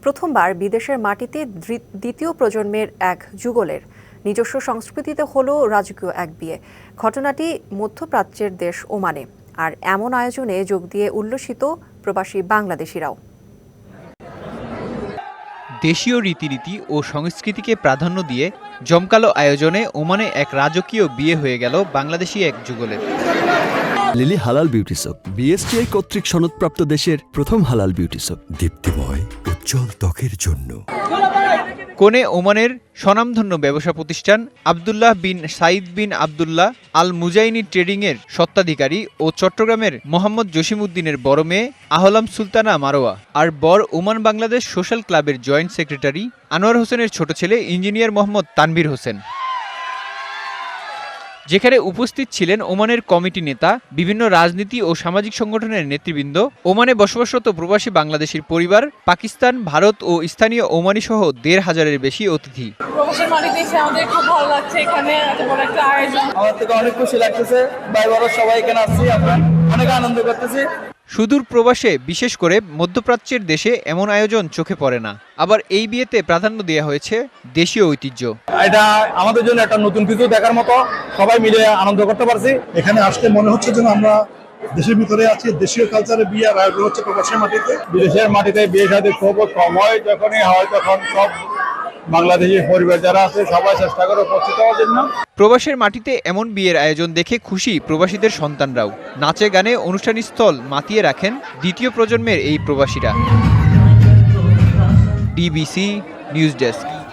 প্রথমবার বিদেশের মাটিতে দ্বিতীয় প্রজন্মের এক যুগলের নিজস্ব সংস্কৃতিতে হলো রাজকীয় এক বিয়ে। ঘটনাটি মধ্যপ্রাচ্যের দেশ ওমানে। আর এমন আয়োজনে যোগ দিয়ে উল্লসিত প্রবাসী বাংলাদেশিরাও। দেশীয় রীতিনীতি ও সংস্কৃতিকে প্রাধান্য দিয়ে জমকালো আয়োজনে ওমানে এক রাজকীয় বিয়ে হয়ে গেল বাংলাদেশি এক যুগলের। লিলি হালাল বিউটি সোপ, বিএসটিআই কর্তৃক সনদপ্রাপ্ত দেশের প্রথম হালাল বিউটি সোপ, দীপ্তিময় উজ্জ্বল ত্বকের জন্য। কোণে ওমানের স্বনামধন্য ব্যবসা প্রতিষ্ঠান Abdullah bin Saeed bin Abdullah Al Muzaini trading এর স্বত্বাধিকারী ও চট্টগ্রামের মোহাম্মদ জসিমউদ্দিনের বড় মেয়ে আহলাম সুলতানা মারোয়া আর বর ওমান বাংলাদেশ সোশ্যাল ক্লাবের জয়েন্ট সেক্রেটারি আনোয়ার হোসেনের ছোট ছেলে ইঞ্জিনিয়ার মোহাম্মদ তানভীর হোসেন। যেখানে উপস্থিত ছিলেন ওমানের কমিটি নেতা, বিভিন্ন রাজনীতি ও সামাজিক সংগঠনের নেতৃবৃন্দ, ওমানে বসবাসরত প্রবাসী বাংলাদেশীর পরিবার, পাকিস্তান, ভারত ও স্থানীয় ওমানি সহ ১৫০০-এর বেশি অতিথি। প্রবাসের মাটিতে এসে আমাদের খুব ভালো লাগছে, এখানে এত বড় একটা আয়োজন। আমার থেকে অনেক খুশি লাগতেছে, ভাই বড় সবাই এখানে আসছি, আমরা অনেক আনন্দ করতেছি। সুদূর প্রবাসে, বিশেষ করে মধ্যপ্রাচ্যের দেশে এমন আয়োজন চোখে পড়ে না। আবার এই বিয়েতে প্রাধান্য দেওয়া হয়েছে দেশীয় ঐতিহ্য। এটা আমাদের জন্য একটা নতুন কিছু দেখার মতো, সবাই মিলে আনন্দ করতে পারছি। এখানে আসলে মনে হচ্ছে যেন আমরা দেশের ভিতরে আছি। দেশীয় কালচারে বিয়ে আর আয়োজন হচ্ছে প্রবাসের মাটিতে। বিদেশের মাটিতে বিয়ে শাদী খুব কম হয়, যখনই হয় তখন সব বাংলাদেশি পরিবার যারা আছে সবাই চেষ্টা করে উপস্থিত হওয়ার জন্য। প্রবাসের মাটিতে এমন বিয়ের আয়োজন দেখে খুশি প্রবাসীদের সন্তানরাও। নাচে গানে অনুষ্ঠানস্থল মাতিয়ে রাখেন দ্বিতীয় প্রজন্মের এই প্রবাসীরা। DBC news desk.